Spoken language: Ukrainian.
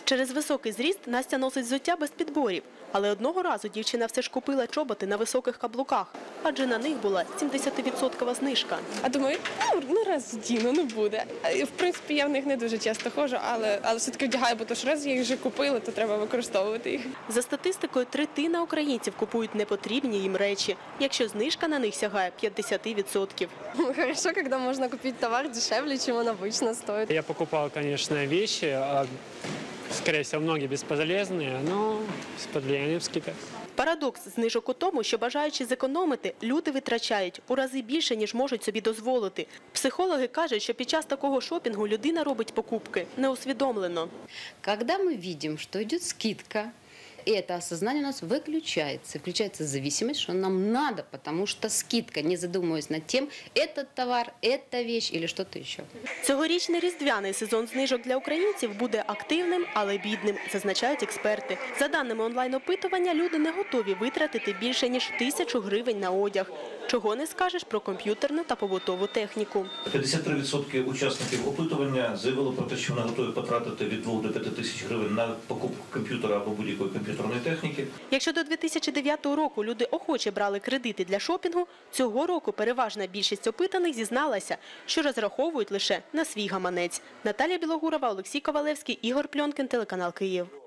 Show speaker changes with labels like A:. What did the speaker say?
A: Через високий зріст Настя носить взуття без підборів. Але одного разу дівчина все ж купила чоботи на високих каблуках, адже на них була 70% знижка.
B: А думаю, раз вдіну, не буде. В принципі, я в них не дуже часто ходжу, але все-таки вдягаю, бо то ж раз я їх вже купила, то треба використовувати їх.
A: За статистикою, третина українців купують непотрібні їм речі, якщо знижка на них сягає 50%.
C: Хорошо, когда можно купить товар дешевле, чем он обычно стоит.
D: Я покупал, конечно, вещи, скорее всего, многие бесполезные, но с подвлиянием скидок.
A: Парадокс знижок у тому, що бажаючи зекономити, люди витрачають у рази більше, ніж можуть собі дозволити. Психологи кажуть, що під час такого шопінгу людина робить покупки неусвідомлено.
E: Когда мы видим, что идет скидка, и это осознание у нас выключается. Включается зависимость, что нам надо, потому что скидка, не задумываясь над тем, этот товар, эта вещь или что-то еще.
A: Цьогорічний різдвяний сезон знижок для українців буде активним, але бідним, зазначають експерти. За даними онлайн-опитування, люди не готові витратити більше, ніж 1000 гривень на одяг. Чого не скажеш про комп'ютерну та побутову техніку.
F: 53% учасників опитування заявили про те, що вони готові потратити від 2 до 5 тисяч гривень на покупку комп'ютера або будь-якої комп'ютерної техніки.
A: Якщо до 2009 року люди охоче брали кредити для шопінгу, цього року переважна більшість опитаних зізналася, що розраховують лише на свій гаманець. Наталія Білогурова, Олексій Ковалевський, Ігор Пльонкін, телеканал Київ.